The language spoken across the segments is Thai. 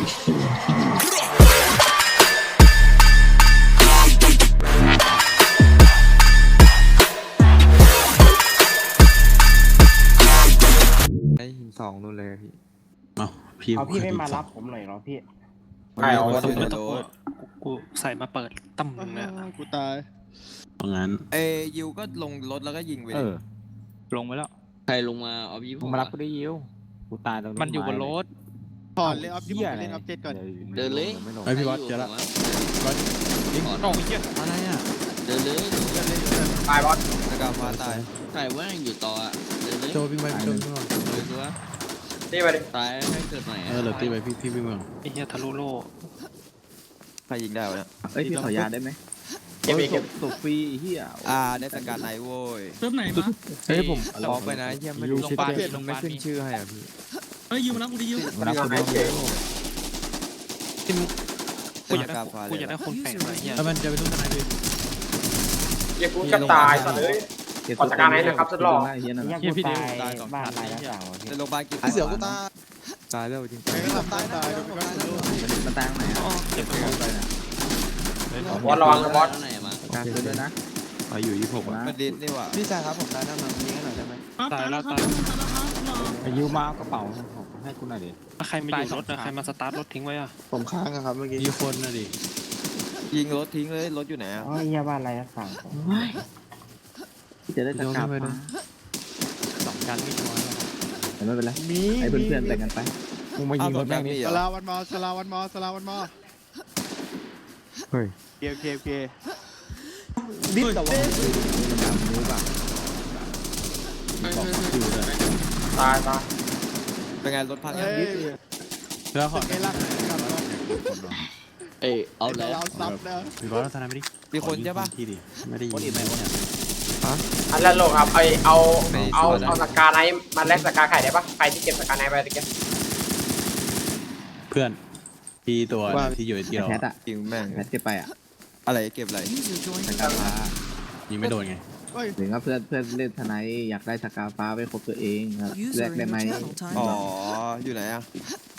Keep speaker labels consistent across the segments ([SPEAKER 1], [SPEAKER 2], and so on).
[SPEAKER 1] ไอ้หินสองนู่นเลยพี่
[SPEAKER 2] เอาพี่ไม่มารับผมหน่อยเหรอพี่
[SPEAKER 3] ไม่เอา
[SPEAKER 1] ก็
[SPEAKER 3] ก็
[SPEAKER 1] ไม่
[SPEAKER 3] ไม่
[SPEAKER 1] ต้
[SPEAKER 3] ต้
[SPEAKER 1] อ
[SPEAKER 3] อง ง
[SPEAKER 1] เปิ
[SPEAKER 3] เปิ
[SPEAKER 1] ด
[SPEAKER 3] ดกูใส่มาเปิดตั้มเนี่ย
[SPEAKER 4] กูตาย
[SPEAKER 5] เพราะงั้น
[SPEAKER 1] เอยิวก็ลงรถแล้วก็ยิงไปเลย
[SPEAKER 3] ลงไปแล้ว
[SPEAKER 6] ใครลงมาเอาพี่
[SPEAKER 7] มึงมารับกูได้ยิวกูตายตรงนี้
[SPEAKER 3] มันอยู่บนรถ
[SPEAKER 4] ถอนเลยออฟที่ผมไปเล่นออฟเจ็ดก่อน
[SPEAKER 6] เดินเลย
[SPEAKER 7] ไม่ลง
[SPEAKER 5] ไอพี่วัดเจอละ
[SPEAKER 3] โอ้ยเหี้ย
[SPEAKER 5] อะไรอ่ะ
[SPEAKER 6] เดินเลย
[SPEAKER 3] ตายบอส
[SPEAKER 1] แล้วก็ฟ้าตาย
[SPEAKER 6] ใครว่าอยู่ต่ออ่ะเดินเลย
[SPEAKER 5] โจวิ่งไปโจวิ่งไป
[SPEAKER 6] เลยตัว
[SPEAKER 3] ตีไปดิ
[SPEAKER 6] ตายให้เกิดใหม่
[SPEAKER 5] เหลือตีไปพี่วิ่งไป
[SPEAKER 3] ไอ้เหี้ยทะลุโล่
[SPEAKER 1] ใครยิงได้วะเนี่ย
[SPEAKER 7] เอ้ยพี่ขอยาได้ไหม
[SPEAKER 3] เก็บอีกเก็บ
[SPEAKER 7] ตกฟรีเฮีย
[SPEAKER 1] ได้สกัดไหนโว้ย
[SPEAKER 8] เซิร์ฟไหนมา
[SPEAKER 1] เฮ้ยผมขอไปนะเฮียไม่รู้
[SPEAKER 3] โรงพยาบาล
[SPEAKER 1] ไม่ขึ้นชื่อให้อ่ะพี่
[SPEAKER 8] เฮ้ยยิวมารับกูดิยิว
[SPEAKER 7] มารับกู
[SPEAKER 3] ไอ้เก๋
[SPEAKER 6] กูอยากได้คนแปลกอะไรเงี้ย
[SPEAKER 5] แล้วมันจะไปทุ่งทนายดิ
[SPEAKER 3] เหี้ยกูจะตายสัตว์เลย ขอจัดการให้นะครับสุดหล่อ
[SPEAKER 7] เฮียนั่น
[SPEAKER 2] ยั
[SPEAKER 7] น่ะ
[SPEAKER 2] งกูตายบ้านอะไรหน้าต่างวะพี่
[SPEAKER 1] ในโรงพยาบาลกี่
[SPEAKER 4] เสือกูตาย
[SPEAKER 1] ตายแล้วจริง
[SPEAKER 4] ใครก็ทำตายเดี๋ยวกูก็
[SPEAKER 7] มันตายไหนอ่ะ
[SPEAKER 3] เจ็บ
[SPEAKER 7] ไปนะ
[SPEAKER 3] บอสระวังนะบอส
[SPEAKER 6] ไหนมา
[SPEAKER 7] การเด้วยนะ
[SPEAKER 5] ไปอยู่26
[SPEAKER 7] นะ
[SPEAKER 1] มันดิสนี่ว่ะพี่ชายครับผมได้น้ำมันยิงให้หน่อยได้ไหม
[SPEAKER 8] ตายแล้วครับ
[SPEAKER 7] ไอ้ยิวมาเอากระเป๋าให้กูหน่อยดิ
[SPEAKER 3] ใครมาอยู่รถอะใครมาสตาร์ทรถทิ้งไว้อะ
[SPEAKER 4] ผมค้างอะครับเมื่อกี้
[SPEAKER 5] มีคนนะดิ
[SPEAKER 1] ยิงรถทิ้งเลยรถอยู่ไหนอ่ะ
[SPEAKER 2] อ๋อเฮียบ้านอะไรหน้าต่าง
[SPEAKER 7] พี่จะได้จัดการ
[SPEAKER 3] สองกันไม่ชัวร์
[SPEAKER 7] แต่ไม่เป็นไรให้เพื่อนๆแบ่งกันไป
[SPEAKER 1] มึงมายิงรถแม่งนี่เหร
[SPEAKER 4] ส
[SPEAKER 1] อ
[SPEAKER 4] ลาวันมอสลาวันมอสลาวันมอ
[SPEAKER 1] เฮ้ย
[SPEAKER 4] เค
[SPEAKER 7] ดิ้นแต่ว่ามันดำนิ้วป่ะ
[SPEAKER 3] ตาย
[SPEAKER 1] เป็นไงรถพัง
[SPEAKER 4] เฮ้
[SPEAKER 1] ยัง
[SPEAKER 4] ย
[SPEAKER 5] แล้วขอ
[SPEAKER 4] ไอ้ลักกับ
[SPEAKER 6] เอ้เอาแล้ว
[SPEAKER 4] เราซับนะ
[SPEAKER 5] พี่วัดทนายไม่ดิ
[SPEAKER 1] มีคนใช่ปะ
[SPEAKER 5] ที่ดิไม่ได้ยินไม่เนี่ย
[SPEAKER 3] อันแรกลงครับเอาสกาไนมาแลกสกาไข่ได้ปะใครที่เก็บสกาไนไปตะเกียบ
[SPEAKER 5] เพื่อนที่ตัวที่อยู่ที่เรา
[SPEAKER 7] แพทอะ
[SPEAKER 1] จริงแม่ง
[SPEAKER 7] แพทเก็บไปอะ
[SPEAKER 1] อะไรเก็บอะไร
[SPEAKER 7] สกาฟ้า
[SPEAKER 5] ยิงไม่โดนไง
[SPEAKER 4] เฮ้ย
[SPEAKER 7] ถึงว่าเพื่อนเล่นทนายอยากได้สกาฟ้าไปครบตัวเองแลกได้ไหม
[SPEAKER 1] อ๋ออยู่ไหนอ่ะ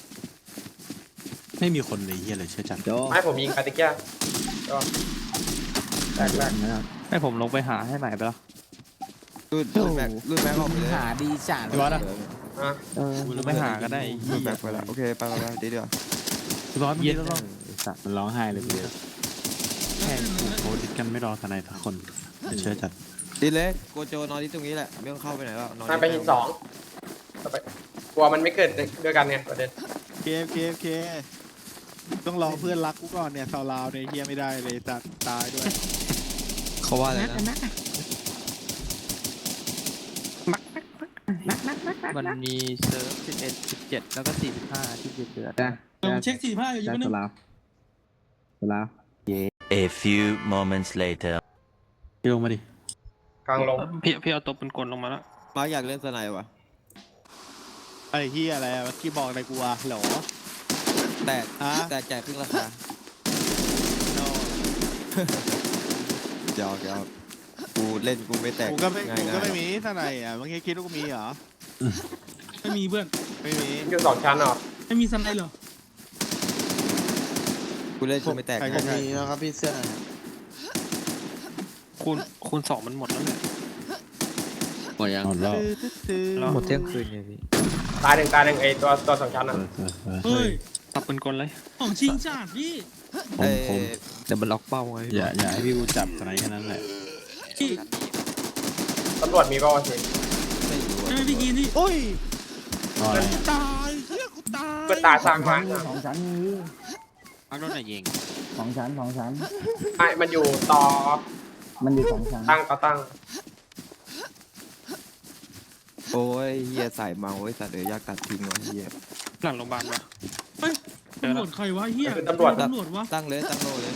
[SPEAKER 5] ไม่มีคนเลยเฮียเลยเชื่อจัด
[SPEAKER 7] โจ
[SPEAKER 3] ให้ผมยิงไปตะเกียบก็แรก
[SPEAKER 7] นะครับ
[SPEAKER 3] ให้ผมลงไปหาให้ใหม่ไปแล้ว
[SPEAKER 1] รุ่นแม็กออกไปเลย
[SPEAKER 7] หาดีจัด
[SPEAKER 5] พี่วัดอ่ะ
[SPEAKER 3] ลงไปหาก็ได้
[SPEAKER 1] รุ่นแม็กไปแล้วโอเคไปเดี๋ยว
[SPEAKER 5] พี่วัดเย็นแล้วมันร้องไห้เลยพี่แค่โคดิกันไม่รอทนายทุกคนเชื่อจัด
[SPEAKER 1] ดีเลยโกโจนอนที่ตรงนี้แหละไม่ต้องเข้าไปไหนแล้วนอน
[SPEAKER 3] มันไปหินสองกลัวมันไม่เกิดด้วยกันไงประเด็น
[SPEAKER 4] เคต้องรอเพื่อนรักกูก่อนเนี่ยสาวลาวเนี่ยเฮียไม่ได้เลยจัดตายด้วย
[SPEAKER 1] เขาว่าอะไรนะ
[SPEAKER 3] มันมีเซิร์ฟ11 17แล้วก็45ที่เดือด
[SPEAKER 7] จ้ะ
[SPEAKER 8] ผมเช็ค45อยู่ยิว
[SPEAKER 7] จ้ะ
[SPEAKER 8] นึ
[SPEAKER 7] ส
[SPEAKER 8] ง
[SPEAKER 7] ลาวสลาว
[SPEAKER 9] A few moments later.
[SPEAKER 5] พี่ลงมาดิ
[SPEAKER 3] กลางลงพี่เอาตัวเป็นกลลงมาแล้ว
[SPEAKER 1] มาร์กอยากเล่นสไนวะ
[SPEAKER 4] ไอ้เฮียอะไรเมื่อกี้บอกอะไรกูวะเหรอ
[SPEAKER 1] แต่จ่ายครึ่งราคาเดี๋ยวกูเล่นกูไม่แตก
[SPEAKER 4] กูก็ไม่
[SPEAKER 1] ง่าย
[SPEAKER 4] มีทนายอ่ะเมื่อกี้คิดว่ากูมีเหรอ
[SPEAKER 8] ไม่มีเพื่อน
[SPEAKER 4] ไม่มี
[SPEAKER 3] อยู่สองชั้นเหรอ
[SPEAKER 8] ไม่มีสไนเหรอ
[SPEAKER 1] กูเล่นกูไม่แตก
[SPEAKER 4] ใครจะมีนะครับพี่เสื้อ
[SPEAKER 3] คูณ2มันหมดแล้วเนี่ย
[SPEAKER 6] หมดยัง
[SPEAKER 5] หมดแล้ว
[SPEAKER 1] หมดเที่ยงคืนไงพี่
[SPEAKER 3] ตายหนึ่งไอตัวสองชั้นอ่ะ
[SPEAKER 8] เฮ้ย
[SPEAKER 3] ตับเป็นกลเลย
[SPEAKER 8] ของชิงชาติพี่
[SPEAKER 5] ผม
[SPEAKER 1] แต่มันล็อกเป้าไง
[SPEAKER 5] อย่าให้พี่กูจับทนายแค่นั้นแหละ
[SPEAKER 8] พี่
[SPEAKER 3] ตำรวจมีป่าวะสิ
[SPEAKER 8] ใช่ไหมพี่กีนี่
[SPEAKER 4] โอ้ย
[SPEAKER 5] อะไร
[SPEAKER 4] ตายเฮียกูตาย
[SPEAKER 3] เพื่อตายสร้างมา
[SPEAKER 2] สองชั้นนี้
[SPEAKER 6] เอารถไหนยิง
[SPEAKER 2] สองชั้น
[SPEAKER 3] ไอ้มันอยู่ต่อ
[SPEAKER 2] มันอยู่สองชั้น
[SPEAKER 3] ตั้ง
[SPEAKER 1] โอ้ยเฮียใส่เมาไอ้สัตว์เดี๋ยวยากตัดทิ้งวะเฮีย
[SPEAKER 3] หลังโรงพยาบาลวะ
[SPEAKER 8] เฮ้ยตำรวจใครวะเฮีย
[SPEAKER 3] เป็นตำรวจ
[SPEAKER 8] ตำรวจวะ
[SPEAKER 1] ตั้งเลยตั้งโลเลย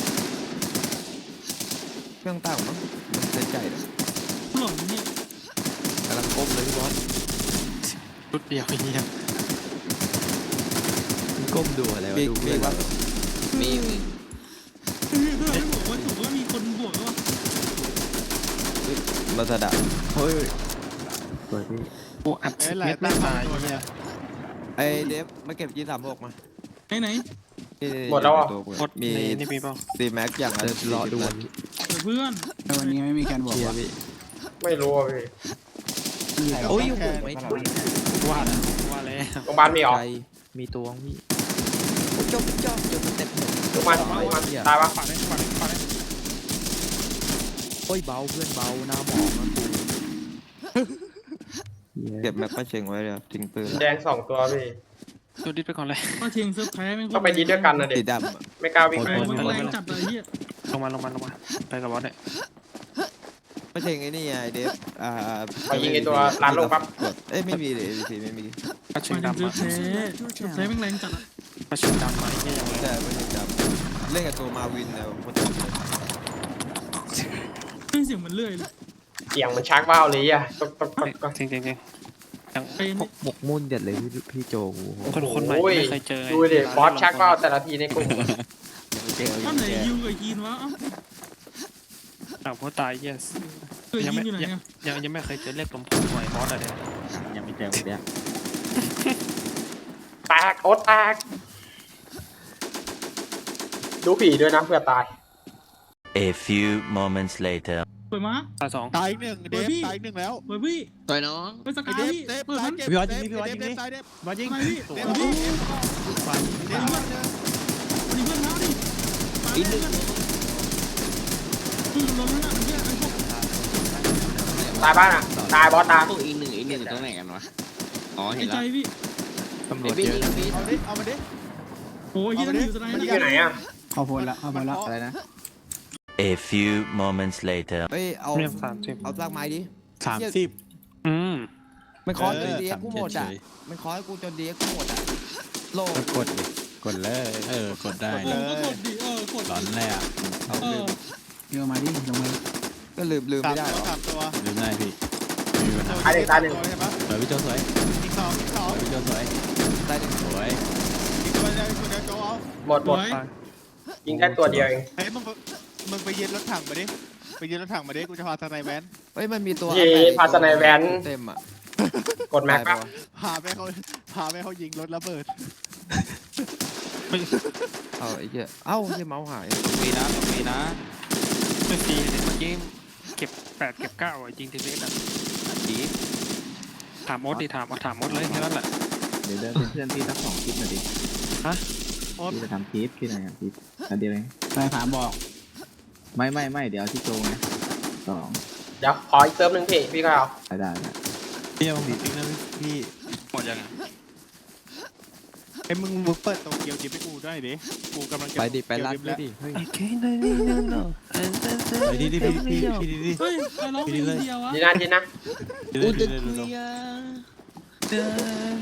[SPEAKER 1] เครื่องตั้งมั้งมันเส้นใจเลย
[SPEAKER 8] ตำรวจเนี่ย
[SPEAKER 1] กำลังก้มเลยพี่บอส
[SPEAKER 3] ชุดเดียวเฮีย
[SPEAKER 1] ก้มดูอะไรวะดูมีว่า
[SPEAKER 6] มี
[SPEAKER 8] เฮ้ยเพื่อนไม่บอกว่าถูกว่ามีคนบวกแล้ววะ
[SPEAKER 1] มาสะดับเฮ้ยเปิดพี่
[SPEAKER 3] กูอัด
[SPEAKER 4] ไอ้
[SPEAKER 3] สิบ
[SPEAKER 4] หลา
[SPEAKER 3] เม
[SPEAKER 4] ย
[SPEAKER 3] ตรไม่
[SPEAKER 4] ตั้ง
[SPEAKER 3] ตาย
[SPEAKER 4] ตัวเนี่ย
[SPEAKER 1] ไอเดฟมาเก็บG36มา
[SPEAKER 8] ไหน
[SPEAKER 3] หมดแล้วอ่ะ
[SPEAKER 5] หมด
[SPEAKER 1] มี
[SPEAKER 5] นี่มีเปล่า
[SPEAKER 1] ซีแม็กอย่างละรอดู
[SPEAKER 8] เพื่อน
[SPEAKER 2] วันนี้ไม่มีการบอกว่า
[SPEAKER 3] ไม่รู้อ่ะพี่
[SPEAKER 4] โอ้ยไม่
[SPEAKER 5] ว่าแล้วว่าแล้ว
[SPEAKER 3] โรงพยาบาลมีเหรอ
[SPEAKER 1] มีตัวพี่
[SPEAKER 3] โรงพยาบาลตายปะ
[SPEAKER 5] ฝากได้ฝากได้ฝากได้
[SPEAKER 1] โอ้ยเบาเพื่อนเบาหน้าหมองนะกูเก็บแม็กป้าเชงไว้เลยครับทิ้งปืน
[SPEAKER 3] แดง2 ตัวพี่
[SPEAKER 5] ดูดิสไปก่อนเลย
[SPEAKER 8] ป้าเชงเซิร์ฟแพ้ไม่
[SPEAKER 3] ต้องไปดีด้วยกันนะเด็
[SPEAKER 1] สี
[SPEAKER 3] ก
[SPEAKER 1] ดำอะ
[SPEAKER 3] ไม่กล้าวิ่งไป
[SPEAKER 8] มันแรงจัดเลยเฮีย
[SPEAKER 5] ลงมาไปกับบอสเนี่ย
[SPEAKER 1] ป้าเชงไอ้นี่ไงเดฟ
[SPEAKER 3] ไปยิงไอ้ตัวร้านโลปั๊บ
[SPEAKER 1] กดเอ้ยไม่มีเลยสีไม่มี
[SPEAKER 5] ปลาเชิ
[SPEAKER 8] มั
[SPEAKER 5] ง
[SPEAKER 8] น
[SPEAKER 5] ดำ
[SPEAKER 8] เซิร์
[SPEAKER 5] มา
[SPEAKER 8] ฟแพ้เซิร์ฟแพ้ไม่แรงจัดอะ
[SPEAKER 5] ปลาเชิงดำมาไอ้เหี้ยยังไง
[SPEAKER 1] แต่ป้าเชงดำเล่นกับตัวมาวินแล้วมันจะ
[SPEAKER 8] ไม่เสียงมันเลื่อยเลย
[SPEAKER 3] เสียงมันชักว่าวเลยอ่ะก็
[SPEAKER 5] จริงจริงยัง
[SPEAKER 8] ไอ้นี่
[SPEAKER 1] หมกมุ่นเด็ดเลยพี่โจ
[SPEAKER 5] คนใหม่ไม่เคยเจอ
[SPEAKER 3] ดูดิบอสชักว่าวแต่ละทีในกลุ่ม
[SPEAKER 8] ท่านไหนยูกับยีนวะเอ้า
[SPEAKER 5] อ้าวพอตาย yes
[SPEAKER 8] เออยีนอยู่ไหนอะ
[SPEAKER 5] ยังไม่เคยเจอเรียกลมผมหน่อยบอสอะไรยังไม่เจอเนี่ย
[SPEAKER 3] แตกโอ๊ตแตกดูผีด้วยนะเพื่อตาย
[SPEAKER 9] A few moments later.
[SPEAKER 8] เปิดมา
[SPEAKER 5] ตาสอง
[SPEAKER 4] ตายอีกหนึ่งเดฟตายอีกหนึ่งแล้ว
[SPEAKER 8] เปิดพี่
[SPEAKER 6] ต่อยน้อง
[SPEAKER 8] ไปส
[SPEAKER 4] ไอ้
[SPEAKER 8] กา
[SPEAKER 4] เด
[SPEAKER 8] ย
[SPEAKER 4] ฟ
[SPEAKER 8] พี่
[SPEAKER 4] เดฟ
[SPEAKER 8] เปิด
[SPEAKER 4] ตาย
[SPEAKER 8] มัน
[SPEAKER 4] เก็บ
[SPEAKER 5] พี่วัดยิง
[SPEAKER 4] เดฟ
[SPEAKER 5] พี่วัดยิง
[SPEAKER 4] เดฟตายเดฟ
[SPEAKER 5] บอสยิง
[SPEAKER 8] ไปพี่
[SPEAKER 4] เดฟ
[SPEAKER 8] เปิดพี่
[SPEAKER 4] เดฟ
[SPEAKER 5] ฟัน
[SPEAKER 4] เดฟ
[SPEAKER 8] ดิเพื่อนเขาดิอีกหนึ่งลงแล้วนะเฮียไอ้พวก
[SPEAKER 3] ตายบ้านอ่ะตายบอสตาย
[SPEAKER 6] พวกอีกหนึ่งอยู่ตรงไหนกันวะ อ๋อ เห็
[SPEAKER 8] ไอ้
[SPEAKER 6] น
[SPEAKER 8] ใจ
[SPEAKER 6] แล้ว
[SPEAKER 8] พี่
[SPEAKER 5] ตำรวจเยอะ
[SPEAKER 4] เอาดิเอามาดิ
[SPEAKER 8] โอ้ยยี่นั่นอยู่สไน
[SPEAKER 3] มัน
[SPEAKER 8] ด์
[SPEAKER 3] อยู่ไหนอ่ะ
[SPEAKER 2] เข้าโพลแล้วเข้าโพลแล้ว
[SPEAKER 7] อะไรนะ
[SPEAKER 9] A few moments later.
[SPEAKER 1] เอ้ยเอา
[SPEAKER 5] เรียก30
[SPEAKER 1] เอาซากไม้ดิ
[SPEAKER 5] 30
[SPEAKER 1] มันคอจนดีเอ็กกูหมดอ่ะมันคอให้กูจนดีเอ็กกูหมดอ่ะโล
[SPEAKER 5] กดดิกดเลยกดได้
[SPEAKER 8] ลงก็กดดิกด
[SPEAKER 5] ร้อนเลยอ่ะ
[SPEAKER 1] เอาลืม
[SPEAKER 2] เยอะมาดิลงมา
[SPEAKER 1] ก็ลืมไม่ได้หรอ
[SPEAKER 4] สามตัว
[SPEAKER 5] ลืมได้พี่มีปัญหา
[SPEAKER 3] ตายหนึ่งตายหนึ่ง
[SPEAKER 4] ใช่ปะ
[SPEAKER 5] สวยพี่โจสวย
[SPEAKER 4] อีกสอง
[SPEAKER 5] พี่โจสวย
[SPEAKER 1] ได้หนึ่ง
[SPEAKER 5] สวย
[SPEAKER 4] อีกตัวเดียวโจเอา
[SPEAKER 3] หมดยิงได้ตัวเดียวเอง
[SPEAKER 4] เฮ้ยมึงไปยืนรถถังมาดิไปยืนรถถังมาดิกูจะพาทนายแวน
[SPEAKER 1] เฮ้ยมันมีตัว
[SPEAKER 3] เย่พาสไนแวน
[SPEAKER 1] เต็มอ่ะ
[SPEAKER 3] กดแม็กปั๊บ
[SPEAKER 4] พาไปเขายิงรถระเบิด
[SPEAKER 1] เอาไอ้เหี้ยเอ้าไอ้เมาส์หาย
[SPEAKER 5] มีนะไม่ฟรีเมื่อกี้เก็บ8เก็บ9อ่ะจริงทีเล็กอ่ะดีถามมดดิถามมดเลยแค่นั้นแหละ
[SPEAKER 7] เดี๋ยวเดินเป็นเพื่อนพี่สัก2 คลิปหน่อยดิ
[SPEAKER 5] ฮะ
[SPEAKER 7] พี่จะทำคลิปพี่หน่อยคลิปอันเดียวเอง
[SPEAKER 2] ใครถามบอก
[SPEAKER 7] ไม่เดี๋ยวที่โจไง2
[SPEAKER 3] เดี๋ยวขออีกเติมหนึ่งพี่ก็เอา
[SPEAKER 7] ได้
[SPEAKER 5] พี่ยังมีติ๊กนะพี่หมดยังไง
[SPEAKER 4] ไอ้มึงเปิดโตเกียวดิไปกูด้วยดิกูกำลังจะ
[SPEAKER 1] ไปดิไปรัด
[SPEAKER 4] เกี
[SPEAKER 1] ด้
[SPEAKER 4] ยว
[SPEAKER 1] ดิเฮ้ย
[SPEAKER 5] ไปดิพี่ดิ
[SPEAKER 8] เฮ้ยไปร้องเพลงเดียววะ
[SPEAKER 3] ดีนะ
[SPEAKER 5] ดิ
[SPEAKER 6] อุตเทีย